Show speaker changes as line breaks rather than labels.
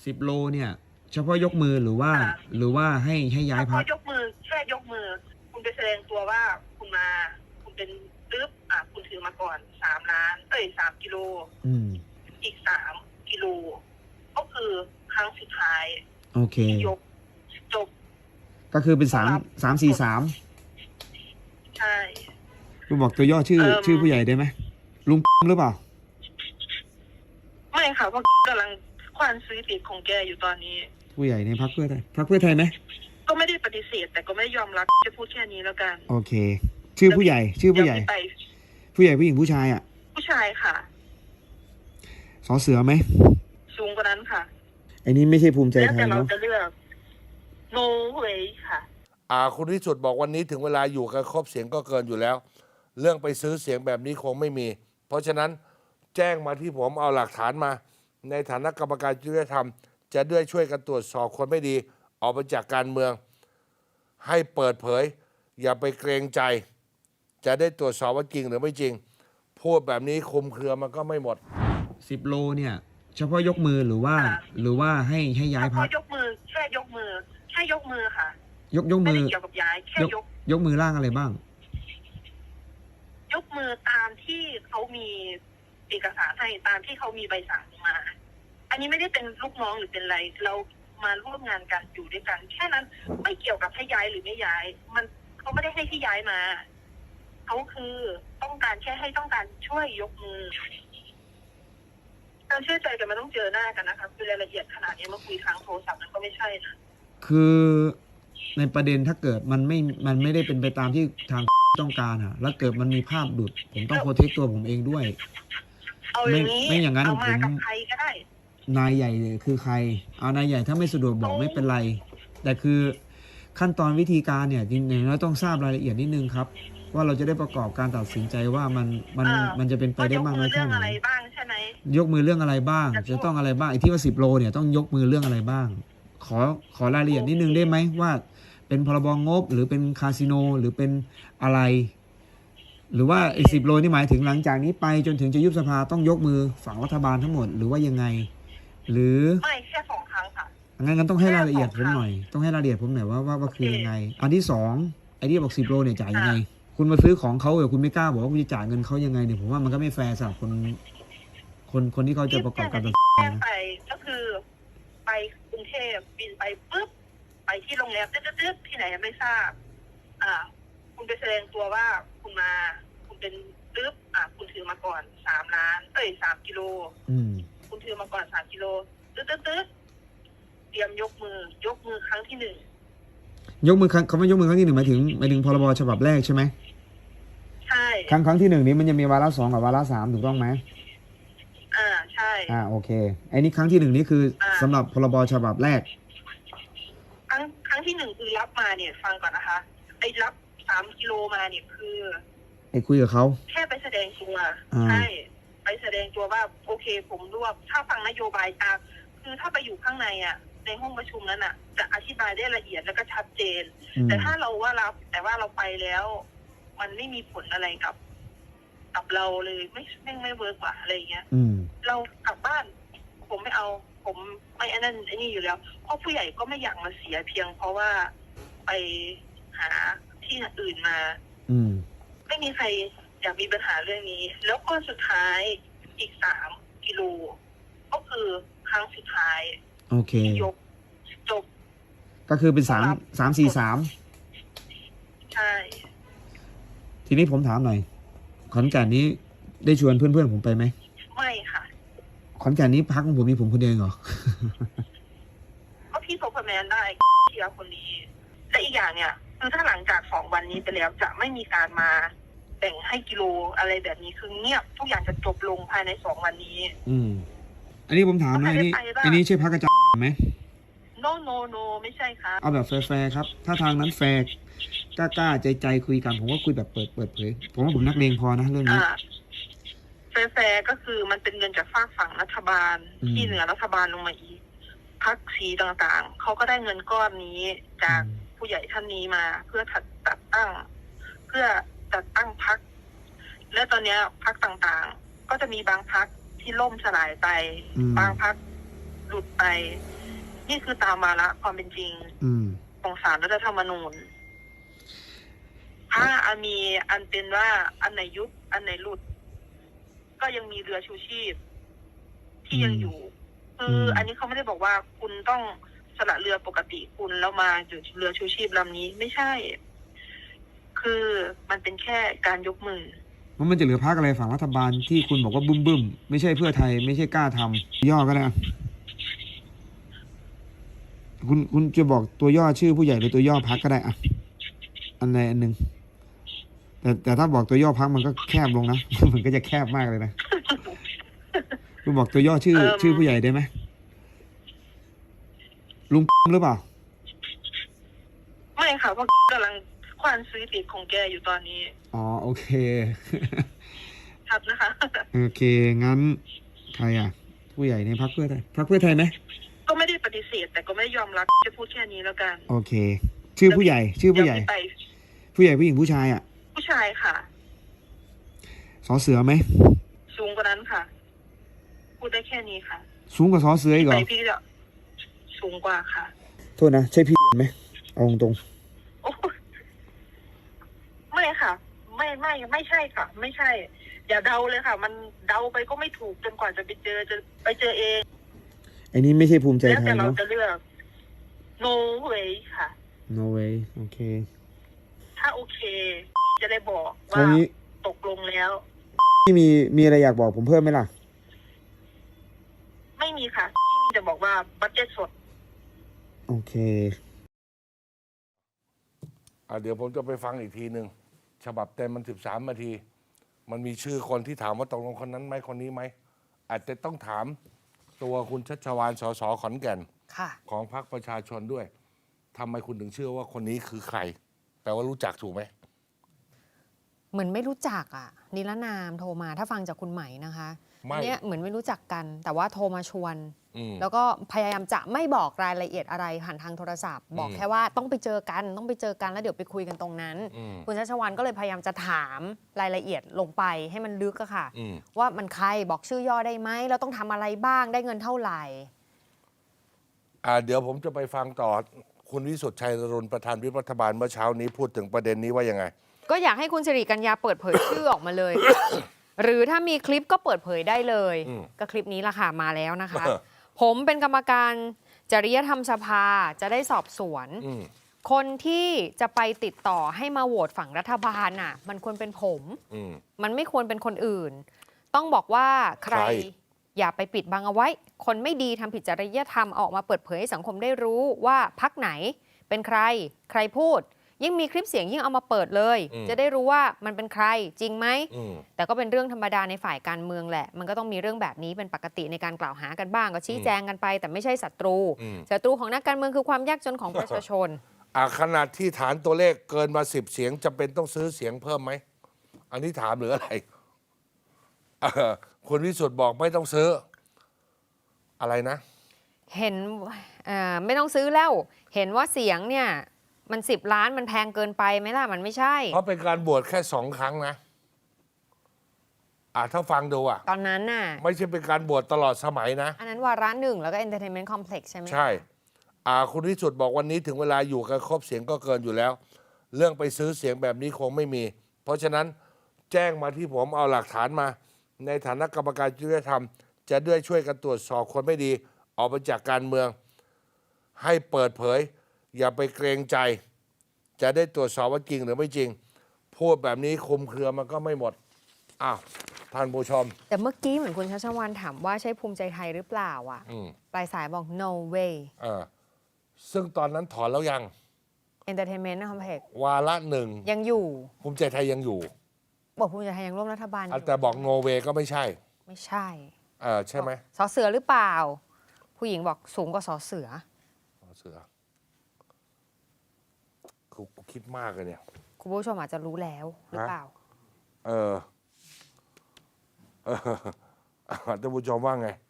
10 โลเนี่ยเฉพาะยกมือหรือว่าให้ย้ายพัก
ยกมือแค่ยกมือคุณไปแสดงตัวว่าคุณมาคุณเป็นปึ๊บคุณถือมาก่อน3 กิโลอีก3 กิโลก็คือครั้งสุดท้าย
โอเค
ยกจบ
ก็คือเป็น3 4 3
ใช่
คุณบอกตัวย่อชื่อผู้ใหญ่ได้ไหมลุงหรือเปล่า
ไม่ค่ะเพราะกำลังควานซื้อติดของแกอยู่ตอนนี้
ผู้ใหญ่ในพรรคเพื่อไทยไหม
ก็ไม่ได้ปฏิเสธแต่ก็ไม่ยอมรับจะพูดแค่นี้แล้วกัน
โอเคชื่อผู้ใหญ่ผู้หญิงผู้ชาย
ผู้ชายค่ะ
สอเสือไหม
สูงกว่านั้นค่ะ
ไอ้นี้ไม่ใช่ภูมิใจไทยเนาะ
แต่เราจะเลือกโนเวค่ะ
คุณวิสุทธิ์บอกวันนี้ถึงเวลาอยู่กันครบเสียงก็เกินอยู่แล้ว เรื่องไปซื้อเสียงแบบนี้คงไม่มี เพราะฉะนั้นแจ้งมาที่ผมเอาหลักฐานมาในฐานะกรรมการจริยธรรมจะด้วยช่วยกันตรวจสอบคนไม่ดีออกไปจากการเมืองให้เปิดเผยอย่าไปเกรงใจจะได้ตรวจสอบว่าจริงหรือไม่จริงพูดแบบนี้คุมเครือมันก็ไม่หมด
10 โลเนี่ยเฉพาะยกมือหรือว่าให้ย้ายพัก
ยกมือแค่ยกมือค่ะ
ยกมือ
ไม่ได้เกี่ยวกับย้ายแค่
ยกมือร่างอะไรบ้าง
ยกมือตามที่เขามีเอกสารให้ตามที่เขามีใบสั่งมาอันนี้ไม่ได้เป็นลูกน้องหรือเป็นอะไรเรามาร่วมงานกันอยู่ด้วยกันแค่นั้นไม่เกี่ยวกับให้ย้ายหรือไม่ย้ายมันเขาไม่ได้ให้ที่ย้ายมาเขาคือต้องการช่วยยกมือการเชื่อใจกันมันต้องเจอหน้ากันนะคะคือรายละเอียดขนาดนี้มาคุยทางโทรศัพท์มันก็ไม่ใช่นะ
คือในประเด็นถ้าเกิดมันไม่ได้เป็นไปตามที่ทางต้องการแล้วเกิดมันมีภาพหลุดผมต้องโปรเทคตัวผมเองด้วยไม่อย่างนั้นผม
ใครก็ได้
นายใหญ่คือใครเอานายใหญ่ถ้าไม่สะดวกบอกไม่เป็นไรแต่คือขั้นตอนวิธีการเนี่ยจริงๆเราต้องทราบรายละเอียดนิดนึงครับว่าเราจะได้ประกอบการตัดสินใจว่ามันจะเป็นไปได้มากน้อยแค่ไหนยกมือเรื่องอะไรบ้างจะต้องอะไรบ้างไอ้ที่ว่า10 โลเนี่ยต้องยกมือเรื่องอะไรบ้างขอรายละเอียดนิดนึงได้ไหมว่าเป็นพรบงบหรือเป็นคาสิโนหรือเป็นอะไรหรือว่าไอ้10 โลนี่หมายถึงหลังจากนี้ไปจนถึงจะยุบสภาต้องยกมือฝั่งรัฐบาลทั้งหมดหรือว่ายังไงหรือ
ไม่แค่2 ครั้งค่ะ
งั้นต้องให้รายละเอียดผมหน่อยต้องให้รายละเอียดผมหน่อยว่าคือยังไงอันที่2ไอ้ที่บอก10 โลเนี่ยจ่ายยังไงคุณมาซื้อของเขาแต่คุณไม่กล้าบอกว่าคุณจะจ่ายเงินเขายังไงเนี่ยผมว่ามันก็ไม่แฟร์สำหรับคนที่เขาจะประกอบการตัดสินใจนะ
ไปก็คือไปกรุงเทพบินไปปุ๊บไปที่โรงแรมตึ๊ดที่ไหนไม่ทราบคุณไปแสดงตัวว่าคุณมาคุณเป็นปึ๊บคุณถือมาก่อน3 กิโลคุณถือมาก่อน3 กิโลตึ๊ดเตรียมยกมือครั้งที่1
ยกมือเขาไม่ยกมือครั้งที่1หมายถึงพรบฉบับแรกใช่ไหม
ใช่
ครั้งที่1นี้มันจะมีวาระ2กับวาระ3ถูกต้องไหม
ใช่
โอเคไอ้นี่ครั้งที่1นี่คือสำหรับพรบฉบับแรก
ครั้งที่1คือรับมาเนี่ยฟังก่อนนะคะไอ้รับ3 กิโลมาเนี่ยคือ
ไอ้คุยกับเขา
แค่ไปแสดงตัวใช่ไปแสดงตัวว่าโอเคผมร่วมถ้าฟังนโยบายตามคือถ้าไปอยู่ข้างในในห้องประชุมนั้นจะอธิบายได้ละเอียดแล้วก็ชัดเจนแต่ถ้าเราว่ารับแต่ว่าเราไปแล้วมันไม่มีผลอะไรกับเราเลยไม่เวิร์กว่าอะไรเงี้ยเรากลับบ้านผมไม่เอาผมไม่อันนั้นไอ้นี่อยู่แล้วเพราะผู้ใหญ่ก็ไม่อยากมาเสียเพียงเพราะว่าไปหาที่อื่นมาไม่มีใครอยากมีปัญหาเรื่องนี้แล้วก็สุดท้ายอีก3 กิโลก็คือครั้งสุดท้าย
โอเค
ยกจบ
ก็คือเป็น3 4 3
ใช่
ทีนี้ผมถามหน่อยขอนแก่นนี้ได้ชวนเพื่อนผมไปไหม
ไม่ค่ะ
ขอนแก่นนี้พักของผมมีผมคนเดียวเหรอ
ก็พี่โซเปอร์แมนได้เชียร์คนนี้และอีกอย่างเนี่ยคือถ้าหลังจาก2 วันนี้ไปแล้วจะไม่มีการมาแบ่งให้กิโลอะไรแบบนี้คือเงียบทุกอย่างจะจบลงภายใน2 วันนี้
อันนี้ผมถามหน่อยอันนี้ใช่พักกระจายไหม
โนไม่ใช่ครับ
เอาแบบแฟร์ครับถ้าทางนั้นแฟร์กล้าใจคุยกันผมว่าคุยแบบเปิดเผยผมว่าผมนักเลงพอนะเรื่องนี้
แฟร์ก็คือมันเป็นเงินจากฝั่งรัฐบาลที่เหนือรัฐบาลลงมาอีกพรรคสีต่างๆเขาก็ได้เงินก้อนนี้จากผู้ใหญ่ท่านนี้มาเพื่อจัดตั้งพรรคและตอนนี้พรรคต่างๆก็จะมีบางพรรคที่ล่มสลายไปบางพรรคหลุดไปนี่คือตามมาละความเป็นจริง ของศาลรัฐธรรมนูญถ้ามีอันเป็นว่าอันไหนยุบอันไหนหลุด ก็ยังมีเรือชูชีพ ที่ยังอยู่คืออันนี้เขาไม่ได้บอกว่าคุณต้องสละเรือปกติคุณแล้วมาอยู่เรือชูชีพลำนี้ไม่ใช่ คือมันเป็นแค่การยกมือ
มันจะเหลือพรรคอะไรฝั่งรัฐบาลที่คุณบอกว่าบึ้มไม่ใช่เพื่อไทยไม่ใช่กล้าทำย่อก็ได้คุณจะบอกตัวย่อชื่อผู้ใหญ่หรือตัวย่อพรรคก็ได้อะอันใดอันหนึ่งแต่ถ้าบอกตัวย่อพรรคมันก็แคบลงนะ มันก็จะแคบมากเลยนะ คุณบอกตัวย่อชื่อผู้ใหญ่ได้ไหมลุงหรือเปล่า
ไม่ค่ะเพราะกำลังควานซื้อติดของแกอยู่ตอนนี้
อ๋อโอเค
ครับนะคะ
โอเคงั้นใครอ่ะผู้ใหญ่ในพรรคเพื่อไทยไหม
ก็ไม่ได้ปฏิเสธแต่ก็ไม่ยอมรับจะพูดแค่นี้แล้วกัน
โอเคชื่อผู้ใหญ่ผู้ใหญ่ผู้หญิงผู้ชายอ่ะ
ผู้ชายค่ะ
สอเสือไหม
สูงกว่านั้นค่ะพูดได้แค่นี้ค่ะ
สูงกว่าสอเสืออีกเหรอ
พี่จะสูงกว่าค่ะ
โทษนะใช่พี่ไหมเอาตรง
ไม่ค่ะไม่ใช่ค่ะไม่ใช่อย่าเดาเลยค่ะมันเดาไปก็ไม่ถูกจนกว่าจะไปเจอเอง
ไอ้นี่ไม่ใช่ภูมิใจไทย
เนาะแล้วแต่เราจะเลือก no way ค่ะ
no way โอเค
ถ้าโอเคจะได้บอกว่าตกลงแล้ว
ที่มีอะไรอยากบอกผมเพิ่มไหมล่ะ
ไม่มีค่ะที่มีจะบอกว่าบัดเจ็ตสด
โอเค
เดี๋ยวผมจะไปฟังอีกทีหนึ่งฉบับเต็มมัน13 นาทีมันมีชื่อคนที่ถามว่าตกลงคนนั้นไหมคนนี้ไหมอาจจะต้องถามตัวคุณชัชวาล สส ขอนแก่นของพรรคประชาชนด้วยทำไมคุณถึงเชื่อว่าคนนี้คือใครแปลว่ารู้จักถูกไหม
เหมือนไม่รู้จักนิรนามโทรมาถ้าฟังจากคุณใหม่นะคะเนี่ยเหมือนไม่รู้จักกันแต่ว่าโทรมาชวนแล้วก็พยายามจะไม่บอกรายละเอียดอะไรผ่านทางโทรศัพท์บอกแค่ว่าต้องไปเจอกันแล้วเดี๋ยวไปคุยกันตรงนั้นคุณชัชวาลก็เลยพยายามจะถามรายละเอียดลงไปให้มันลึกอะค่ะว่ามันใครบอกชื่อย่อได้ไหมเราต้องทำอะไรบ้างได้เงินเท่าไหร่
เดี๋ยวผมจะไปฟังต่อคุณวิสุทธิ์ชัยรุณประธานวิปรัฐบาลเมื่อเช้านี้พูดถึงประเด็นนี้ว่ายังไง
ก็อยากให้คุณสิริกัญญาเปิดเผยชื่อออกมาเลย หรือถ้ามีคลิปก็เปิดเผยได้เลยก็คลิปนี้ละค่ะมาแล้วนะคะ ผมเป็นกรรมการจริยธรรมสภาจะได้สอบสวนคนที่จะไปติดต่อให้มาโหวตฝั่งรัฐบาลน่ะมันควรเป็นผมมันไม่ควรเป็นคนอื่นต้องบอกว่าใครอย่าไปปิดบังเอาไว้คนไม่ดีทำผิดจริยธรรมออกมาเปิดเผยให้สังคมได้รู้ว่าพรรคไหนเป็นใครพูดยิ่งมีคลิปเสียงยิ่งเอามาเปิดเลยจะได้รู้ว่ามันเป็นใครจริงไหมแต่ก็เป็นเรื่องธรรมดาในฝ่ายการเมืองแหละมันก็ต้องมีเรื่องแบบนี้เป็นปกติในการกล่าวหากันบ้างก็ชี้แจงกันไปแต่ไม่ใช่ศัตรูของนักการเมืองคือความยากจนของประชาชน
ขนาดที่ฐานตัวเลขเกินมา10 เสียงจำเป็นต้องซื้อเสียงเพิ่มไหมอันนี้ถามหรืออะไรคุณวิสุทธิ์บอกไม่ต้องซื้ออะไรนะ
เห็นไม่ต้องซื้อแล้วเห็นว่าเสียงเนี่ยมัน10 ล้านมันแพงเกินไปไหมล่ะมันไม่ใช่
เพราะเป็นการบวชแค่2 ครั้งนะถ้าฟังดู
ตอนนั้นน่ะ
ไม่ใช่เป็นการบวชตลอดสมัยนะ
อันนั้นวาระ1แล้วก็ Entertainment Complex ใช่ไหม
ใช่คุณวิสุทธิ์บอกวันนี้ถึงเวลาอยู่กันครบเสียงก็เกินอยู่แล้วเรื่องไปซื้อเสียงแบบนี้คงไม่มีเพราะฉะนั้นแจ้งมาที่ผมเอาหลักฐานมาในฐานะกรรมการจริยธรรมจะด้วยช่วยกันตรวจสอบคนไม่ดีออกไปจากการเมืองให้เปิดเผยอย่าไปเกรงใจจะได้ตรวจสอบว่าจริงหรือไม่จริงพูดแบบนี้คุมเครือมันก็ไม่หมดท่านผู้ชม
แต่เมื่อกี้เหมือนคุณชัชวาลถามว่าใช่ภูมิใจไทยหรือเปล่าปลายสายบอก no way
ซึ่งตอนนั้นถอนแล้วยัง
Entertainment Complex
วาระ1
ยังอยู่
ภูมิใจไทยยังอยู่
บอกภูมิใจไทยยังร่วมรัฐบาล
แต่บอก no way ก็ไม่ใช่ใช่ไหม
สอเสือหรือเปล่าผู้หญิงบอกสูงกว่าสอเสือ
กูคิดมากเลยเนี่ย
คุณผู้ชมอาจจะรู้แล้วหรือเปล่า
ท่านผู้ชมว่าไง